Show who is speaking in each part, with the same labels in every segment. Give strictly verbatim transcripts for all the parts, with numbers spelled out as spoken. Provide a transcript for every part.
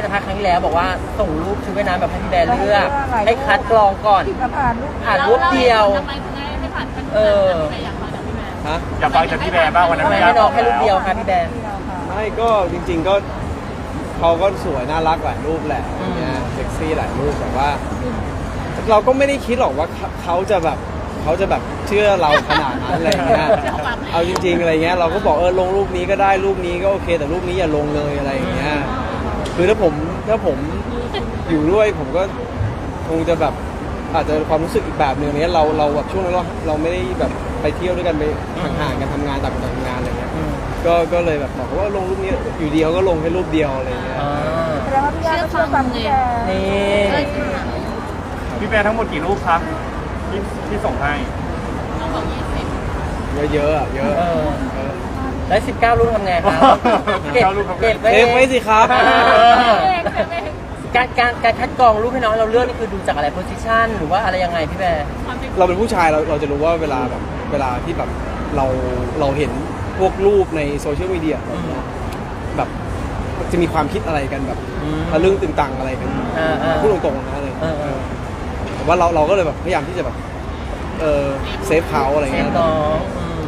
Speaker 1: สัมภาษณ์ครั้งที่แล้วบอกว่าส่งรูปชุดว่ายน้ำแบบให้พี่แบร์เลือกให้คัดกรองก่อนผ่านรูปเดียว
Speaker 2: ทำไมถึงไม่ผ่านขั้นตอน
Speaker 1: เออ
Speaker 2: ที่อยากฟังจากพี่แบร์
Speaker 3: ฮะ
Speaker 4: อยากฟังจากพี่แบร์บ้างวันนั้น
Speaker 1: ทำไมให้น้องแค่รูปเดียวคะพี่แบร์
Speaker 3: ไม่ก็จริง ๆก็เขาก็สวยน่ารักหลายรูปแหละอย่างเงี้ยเซ็กซี่หลายรูปแต่ว่า เราก็ไม่ได้คิดหรอกว่าเขาจะแบบเขาจะแบบเชื่อเราขนาดนั้นอะไรเงี้ยเอาจริง ๆอะไรเงี้ยเราก็บอกเออลงรูปนี้ก็ได้รูปนี้ก็โอเค แต่รูปนี้อย่าลงเลยอะไรอย่างเงี้ยคือถ้าผมถ้าผมอยู่ด้วยผมก็คงจะแบบอาจจะความรู้สึกอีกแบบหนึ่งเนี้ยเราเราแบบช่วงนั้นเราเราไม่ได้แบบไปเที่ยวด้วยกันไปห่างๆกันทำงานต่างคนต่างทำงานอะไรเงี้ยก็ก็เลยแบบบอกว่าลงรูปนี้อยู่เดียวก็ลงแค่รูปเดียวอะไรเงี้ย
Speaker 5: แสดงว่าพี่ย่าก็เชื่อฟังพี่แก
Speaker 1: นี่
Speaker 4: พี่แบร์ทั้งหมดกี่รูปครับที่ที่ส่งให้
Speaker 2: น้องบอกยี่สิบ
Speaker 3: เยอะๆอ่ะเยอะ
Speaker 1: เออ
Speaker 3: เออ
Speaker 1: แล้วสิบเก้ารูปทำไงครับเก็บเก็บไว้
Speaker 3: เซฟไว้สิครับ
Speaker 1: เออการการการคัดกรองรูปให้น้องเราเลือกนี่คือดูจากอะไรโพสิชันหรือว่าอะไรยังไงพี่แบร์
Speaker 3: เราเป็นผู้ชายเราเราจะรู้ว่าเวลาแบบเวลาที่แบบเราเราเห็นพวกรูปในโซเชียลมีเดียแบบจะมีความคิดอะไรกันแบบทะลึ่งตึงตังอะไรกัน
Speaker 1: อ่าอ่า
Speaker 3: พูดตรงๆนะอะไร
Speaker 1: เออเออ
Speaker 3: แต่ว่าเราเราก็เลยแบบพยายามที่จะแบบเออเซฟเขาอะไร
Speaker 1: เซ
Speaker 3: เงี้
Speaker 1: ฟ
Speaker 3: ย
Speaker 1: น้องอืม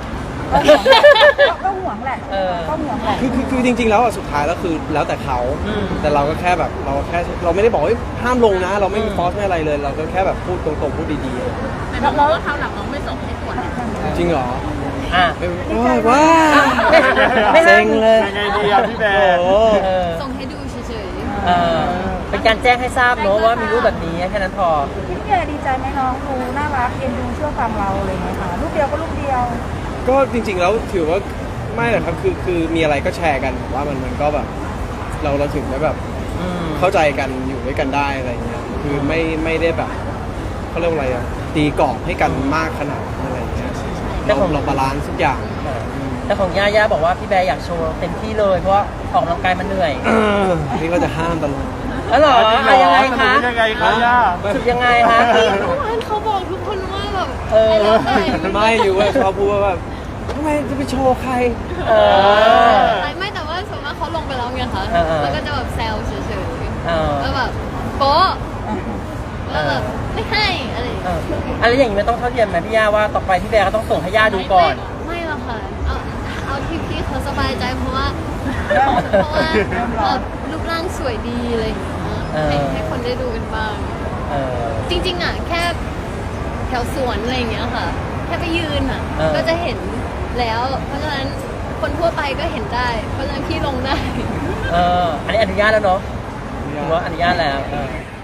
Speaker 5: ก็ห่วงแหละ
Speaker 1: เออ
Speaker 5: ก็ห่วงแหละ
Speaker 3: คือคือคือจริง ๆ แล้วอะสุดท้ายแล้วคือแล้วแต่เขา
Speaker 1: อืม
Speaker 3: แต่เราก็แค่แบบเราแค่เราไม่ได้บอกว่าห้ามลงนะ เราไม่มี
Speaker 1: อืม
Speaker 3: ฟอสไม่อะไรเลย เราก็แค่แบบพูดตรงๆพูดดี
Speaker 2: แต่น้องบอกว่าคราวหลังน้องไม่ส่งให้ตรวจนะ
Speaker 3: ๆ จริงเหรอ
Speaker 1: อ่ะ
Speaker 3: ว้าวว้า
Speaker 1: ไม่
Speaker 3: เซ็งเลย
Speaker 4: ยังไงดีอะพี่แบร์
Speaker 3: โอ้
Speaker 1: เออ
Speaker 2: ส่งให้ดูเฉย
Speaker 1: เออเป็นการแจ้งให้ทราบเนอะว่ามีรูปแบบนี้แค่นั้นพอ
Speaker 5: พี่แกดีใจไหมน้องดูน่ารักเอ็นดูเชื่อฟังเราอะไรอย่างเงี้ยค่ะรูปเดียวก็รูปเดียว
Speaker 3: ก็จริง ๆ แล้วถือว่าไม่หรอกครับคือคือมีอะไรก็แชร์กันผมว่ามันมันก็แบบ เราเราถึงได้แบบ
Speaker 1: อืม
Speaker 3: เข้าใจกันอยู่ด้วยกันได้อะไรเงี้ยคือไม่ไม่ได้แบบเขาเรียกว่าอะไรอะตีกรอบให้กันมากขนาดนั้นอะไรเงี้ยเราเราบาลานซ์ทุกอย่าง
Speaker 1: แต่ของย่าย่าบอกว่าพี่แบร์อยากโชว์เต็มที่เลยเพราะว่าออกกำลังกายมันเหนื่อย
Speaker 3: นี่ก็จะห้ามตลอด
Speaker 1: อ๋อเหรออะยังไงคะ
Speaker 4: ยังไงคะย่า
Speaker 1: สุดยังไงคะ
Speaker 2: ๆพี่เมื่อวานเขาบอกทุกคนว่าแบบ
Speaker 1: เออ
Speaker 3: ไม่อยู่ว่าชอบพูดว่าแบบทำไมจะไปโชว์ใคร
Speaker 1: เออ
Speaker 2: ไม่แต่ว่าส่วนมากเขาลงไปแล้วไงคะ
Speaker 1: เออเออ
Speaker 2: แล้วก็จะแบบแซวเฉย
Speaker 1: เออ
Speaker 2: ๆแล้วแบบโป๊ะแล้วแบบไม่ให้อะไรอย่าง
Speaker 1: เอ
Speaker 2: เงี้ย
Speaker 1: ออะไรอย่างนี้มันต้องเท่าเทียมไหมพี่ย่าว่าต่อไปพี่แบร์ก็ต้องส่งให้ย่าดูก่อน
Speaker 2: ไม่หรอกค่ะ เอาเอาที่พี่เขาสบายใจเพราะว่า เพราะว่าแบบรูปร่างสวยดีอะไรอย่างเงี้ย
Speaker 1: เออ
Speaker 2: ให้ให้คนได้ดูกันบ้าง
Speaker 1: เออ
Speaker 2: จริงๆอ่ะแค่แถวสวนอะไรอย่างเงี้ยค่ะ แค่ไปยืนอ่ะ
Speaker 1: เออ
Speaker 2: ก็จะเห็นแล้ว เพราะฉะนั้นคนทั่วไปก็เห็นได้ เพราะฉะนั้นพี่ลงได้
Speaker 1: เอออันนี้อนุญาตแล้วเนาะถือว่าอนุญาตแล้วเออ